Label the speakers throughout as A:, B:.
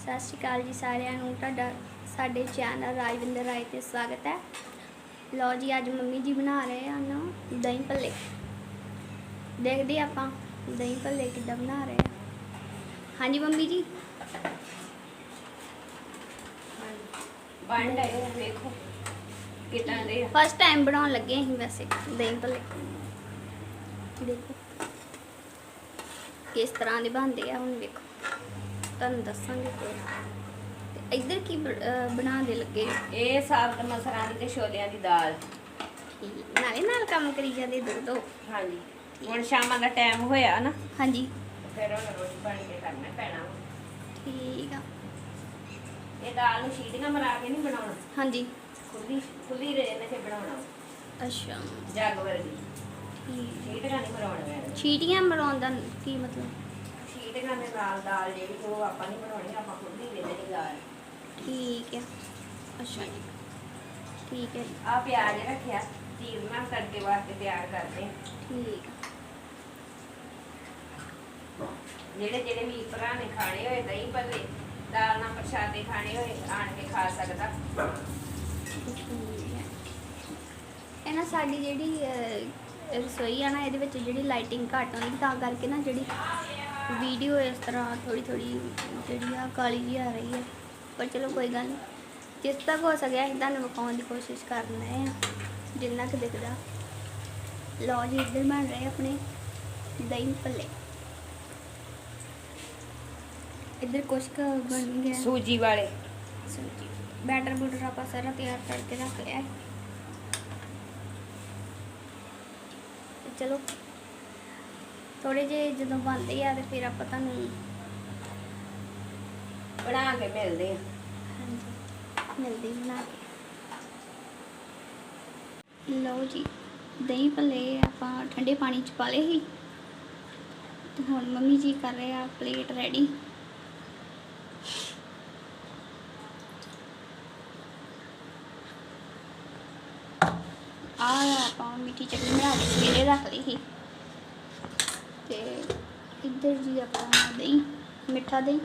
A: सत श्री अकाल जी सारिਆਂ ਨੂੰ ਤੁਹਾਡਾ ਸਾਡੇ ਚੈਨਲ ਰਾਜਵਿੰਦਰ ਰਾਏ ਤੇ ਸਵਾਗਤ ਹੈ। ਲਓ ਜੀ ਅੱਜ ਮੰਮੀ ਜੀ ਬਣਾ ਰਹੇ ਹਨ ਦਹੀਂ ਭੱਲੇ। ਦੇਖਦੇ ਆਪਾਂ ਦਹੀਂ ਭੱਲੇ ਕਿੱਦਾਂ ਬਣਾ ਰਹੇ ਆ। ਹਾਂਜੀ ਮੰਮੀ ਜੀ
B: ਬਣ ਰਹੇ ਆ, ਵੇਖੋ ਕਿੱਦਾਂ ਦੇ ਆ।
A: ਫਸਟ ਟਾਈਮ ਬਣਾਉਣ ਲੱਗੇ ਅਸੀਂ ਵੈਸੇ ਦਹੀਂ ਭੱਲੇ। ਦੇਖੋ ਕਿਸ ਤਰ੍ਹਾਂ ਦੇ ਬਣਦੇ ਆ, ਹੁਣ ਵੇਖੋ ਤੁਹਾਨੂੰ ਦੱਸਾਂਗੇ। ਤੇ ਇੱਧਰ ਕੀ ਬਣਾਉਣ ਲੱਗੇ?
B: ਇਹ ਸਾਬਤ ਮਸਰਾਂ ਦੀ ਤੇ ਛੋਲਿਆਂ ਦੀ ਦਾਲ।
A: ਨਾਲੇ ਨਾਲ ਕੰਮ ਕਰੀ ਜਾਂਦੇ ਦੋ।
B: ਹਾਂਜੀ ਹੁਣ ਸ਼ਾਮਾਂ ਦਾ ਟਾਈਮ ਹੋਇਆ ਨਾ,
A: ਹਾਂਜੀ
B: ਫਿਰ ਹੁਣ ਰੋਟੀ ਬਣ ਕੇ ਕਰਨਾ ਪੈਣਾ।
A: ਠੀਕ ਆ।
B: ਇਹ ਦਾਲ ਨੂੰ ਸੀਟੀਆਂ ਮਰਾ ਕੇ ਨਹੀਂ ਬਣਾਉਣਾ,
A: ਹਾਂਜੀ
B: ਖੁੱਲੀ ਰੇਨ ਤੇ ਬਣਾਉਣਾ।
A: ਅੱਛਾ
B: ਜੱਗ ਵਰਗੀ
A: ਠੀਕ।
B: ਸੀਟੀਆਂ ਨਹੀਂ ਮਰਾਉਣੀਆਂ।
A: ਛੀਟੀਆਂ ਮਰਾਉਣ ਦਾ ਕੀ ਮਤਲਬ?
B: ਸੀਟੀਆਂ ਦੇ ਨਾਲ ਦਾਲ ਜਿਹੜੀ ਉਹ ਆਪਾਂ ਨਹੀਂ ਬਣਾਉਣੀ, ਆਪਾਂ ਖੁੱਲੀ ਰੇਨ ਦੀ ਦਾਲ।
A: ਠੀਕ ਹੈ। ਅੱਛਾ ਜੀ ਠੀਕ ਹੈ ਜੀ।
B: ਆ ਪਿਆਜ਼ ਰੱਖਿਆ ਚੀਰਨਾ ਤੜਕੇ ਵਾਸਤੇ ਤਿਆਰ ਕਰਦੇ।
A: ਠੀਕ ਆ।
B: ਜਿਹੜੇ ਵੀ ਭਰਾ ਨੇ ਖਾਣੇ ਹੋਏ ਦਹੀਂ ਭੱਲੇ ਦਾਲ ਨਾਲ ਪ੍ਰਸ਼ਾਦੇ ਖਾਣੇ ਹੋਏ ਆਣ ਕੇ ਖਾ ਸਕਦਾ।
A: ਇਹ ਨਾ ਸਾਡੀ ਜਿਹੜੀ ਰਸੋਈ ਆ ਨਾ, ਇਹਦੇ ਵਿੱਚ ਜਿਹੜੀ ਲਾਈਟਿੰਗ ਘੱਟ ਆਉਂਦੀ, ਤਾਂ ਕਰਕੇ ਨਾ ਜਿਹੜੀ ਵੀਡੀਓ ਇਸ ਤਰ੍ਹਾਂ ਥੋੜੀ ਜਿਹੜੀ ਆ ਕਾਲੀ ਜਿਹੀ ਆ ਰਹੀ ਹੈ। ਪਰ ਚਲੋ ਕੋਈ ਗੱਲ ਨਹੀਂ, ਜਿਸ ਤੱਕ ਹੋ ਸਕਿਆ ਅਸੀਂ ਤੁਹਾਨੂੰ ਵਿਖਾਉਣ ਦੀ ਕੋਸ਼ਿਸ਼ ਕਰ ਰਹੇ ਹਾਂ ਜਿੰਨਾ ਕੁ ਦਿਖਦਾ। ਲਓ ਜੀ ਇੱਧਰ ਬਣ ਰਹੇ ਆਪਣੇ ਦਹੀਂ ਭੱਲੇ। ਇੱਧਰ ਕੁਛ ਕੁ ਬਣ ਗਿਆ
B: ਸੂਜੀ ਵਾਲੇ।
A: ਸੂਜੀ ਬੈਟਰ ਬੂਟਰ ਆਪਾਂ ਸਾਰਾ ਤਿਆਰ ਕਰਕੇ ਰੱਖ ਲਿਆ। ਚਲੋ ਥੋੜੇ ਜਿਹੇ ਜਦੋਂ ਬਣਦੇ ਆ ਤੇ ਫਿਰ ਆਪਾਂ ਤੁਹਾਨੂੰ
B: ਬਣਾ ਕੇ ਮਿਲਦੇ ਆ।
A: ਹਾਂਜੀ ਮਿਲਦੀ ਬਣਾ ਕੇ। ਲਓ ਜੀ ਦਹੀਂ ਭੱਲੇ ਆਪਾਂ ਠੰਡੇ ਪਾਣੀ ਚ ਪਾ ਲਏ ਸੀ ਤੇ ਹੁਣ ਮੰਮੀ ਜੀ ਕਰ ਰਹੇ ਆ ਪਲੇਟ ਰੈਡੀ। ਆਪਾਂ ਮਿੱਠੀ ਚਟਨੀ ਬਣਾ ਕੇ ਸਵੇਰੇ ਰੱਖ ਲਈ ਸੀ ਤੇ ਇੱਧਰ ਜੀ ਆਪਾਂ ਦਹੀਂ ਮਿੱਠਾ ਦਹੀਂ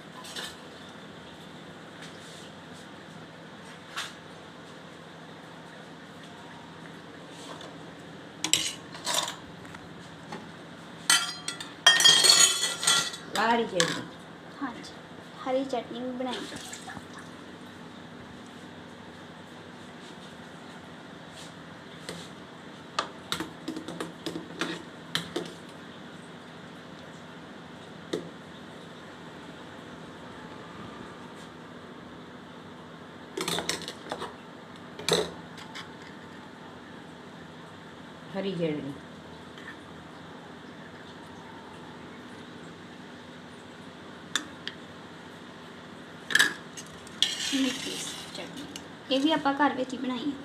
B: ਹਰੀ ਚਟਨੀ।
A: ਹਾਂਜੀ ਹਰੀ ਚਟਨੀ ਵੀ ਬਣਾਈ।
B: ਹਰੀ ਚਟਨੀ
A: ਮਿੱਠੀ ਚਟਨੀ ਇਹ ਵੀ ਆਪਾਂ ਘਰ ਵਿੱਚ ਹੀ ਬਣਾਈ ਹੈ।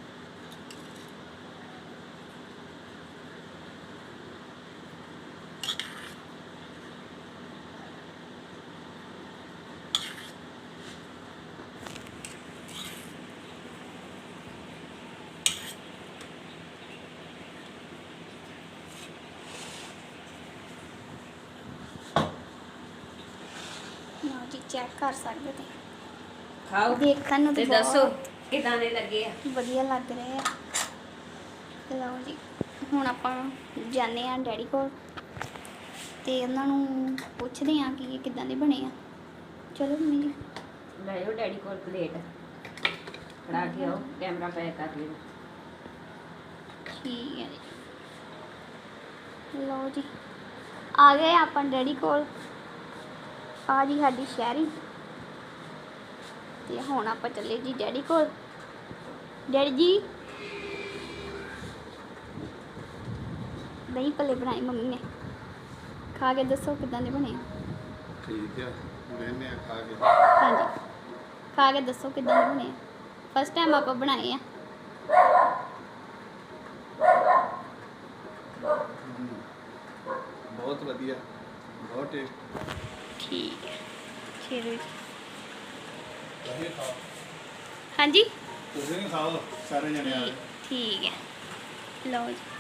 A: ਲਓ ਜੀ ਚੈੱਕ ਕਰ ਸਕਦੇ ਤੇ
B: ਖਾਓ
A: ਦੇਖਣ ਨੂੰ
B: ਤੇ
A: ਤਾਂ
B: ਦੱਸੋ
A: ਬਹੁਤ
B: ਕਿਦਾਂ ਦੇ ਲੱਗੇ ਆ।
A: ਵਧੀਆ ਲੱਗ ਰਹੇ ਆ। ਲਓ ਜੀ ਹੁਣ ਆਪਾਂ ਜਾਂਦੇ ਆ ਡੈਡੀ ਕੋਲ ਤੇ ਉਹਨਾਂ ਨੂੰ ਪੁੱਛਦੇ ਆ ਕਿ ਇਹ ਕਿੱਦਾਂ ਦੇ ਬਣੇ ਆ। ਚਲੋ ਮੰਮੀ ਜੀ
B: ਲੈ ਜਾਓ ਡੈਡੀ ਕੋਲ ਪਲੇਟ ਫੜਾ ਕੇ ਆਓ, ਕੈਮਰਾ ਪੈਕ ਕਰ ਲਿਓ।
A: ਠੀਕ ਹੈ ਜੀ। ਲਓ ਜੀ ਆ ਗਏ ਆਪਾਂ ਡੈਡੀ ਕੋਲ। ਆ ਜੀ ਸਾਡੀ ਸ਼ਹਿਰੀ ਤੇ ਹੁਣ ਆਪਾਂ ਚੱਲੇ ਜੀ ਡੈਡੀ ਕੋਲ। ਡੈਡੀ ਜੀ ਦਹੀਂ ਭੱਲੇ ਬਣਾਏ ਮੰਮੀ ਨੇ, ਖਾ ਕੇ ਦੱਸੋ ਕਿੱਦਾਂ ਦੇ ਬਣੇ ਆ।
C: ਠੀਕ ਹੈ ਮੈਨੇ ਖਾ ਕੇ
A: ਹਾਂਜੀ ਖਾ ਕੇ ਦੱਸੋ ਕਿੱਦਾਂ ਦੇ ਬਣੇ ਆ। ਫਸਟ ਟਾਈਮ ਆਪਾਂ ਬਣਾਏ ਆ।
C: ਬਹੁਤ ਵਧੀਆ, ਬਹੁਤ ਟੇਸਟ।
A: ਠੀਕ ਹੈ ਚਲੋ ਜੀ।
C: ਤੁਸੀਂ ਖਾਓ,
A: ਹਾਂਜੀ
C: ਤੁਸੀਂ ਵੀ ਖਾਓ ਸਾਰੇ ਜਣੇ ਆ।
A: ਠੀਕ ਹੈ। ਲਓ ਜੀ